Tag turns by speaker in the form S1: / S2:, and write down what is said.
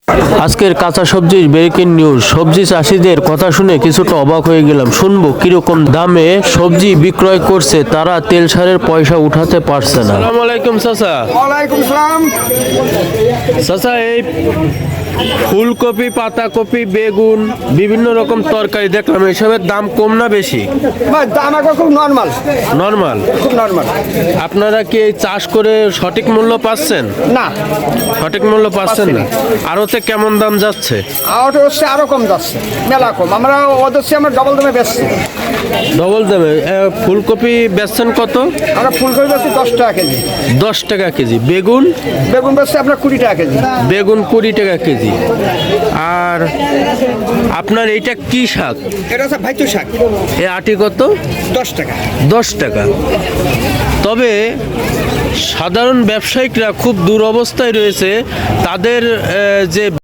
S1: আজকের কাঁচা সবজির ব্রেকিং নিউজ। সবজি চাষিদের কথা শুনে কিছুটা অবাক হয়ে গেলাম। শুনবো কিরকম দামে সবজি বিক্রয় করছে তারা, তেল সারের পয়সা উঠাতে পারছে না। আসসালামু আলাইকুম চাচা।
S2: ওয়ালাইকুম সালাম।
S1: চাচা, এই ফুলকপি, পাতাকপি, বেগুন, বিভিন্ন রকম তরকারি দেখলাম, এসবের দাম কম না বেশি?
S2: ভাই দাম এখন খুব নর্মাল,
S1: নর্মাল।
S2: খুব নর্মাল।
S1: আপনারা কি এই চাষ করে সঠিক মূল্য পাচ্ছেন?
S2: না,
S1: সঠিক মূল্য পাচ্ছেন না। আরতে কেমন দাম যাচ্ছে?
S2: আউট হচ্ছে আরো কম যাচ্ছে, মেলা কম। আমরা ওদের চেয়ে আমরা ডবল দামে বেচছি।
S1: ডবল দামে? ফুলকপি বেচছেন কত?
S2: আমরা ফুলকপি বেচছি 10 টাকা কেজি।
S1: 10 টাকা কেজি। বেগুন?
S2: বেগুন বেচছি আপনার 20 টাকা কেজি।
S1: বেগুন 20 টাকা কেজি। আর আপনার এইটা কি শাক?
S2: এটা হচ্ছে ভাইচু শাক।
S1: এ আটি কত?
S2: 10 টাকা।
S1: 10 টাকা। তবে সাধারণ ব্যবসায়িকরা খুব দুরবস্থায় রয়েছে। তাদের যে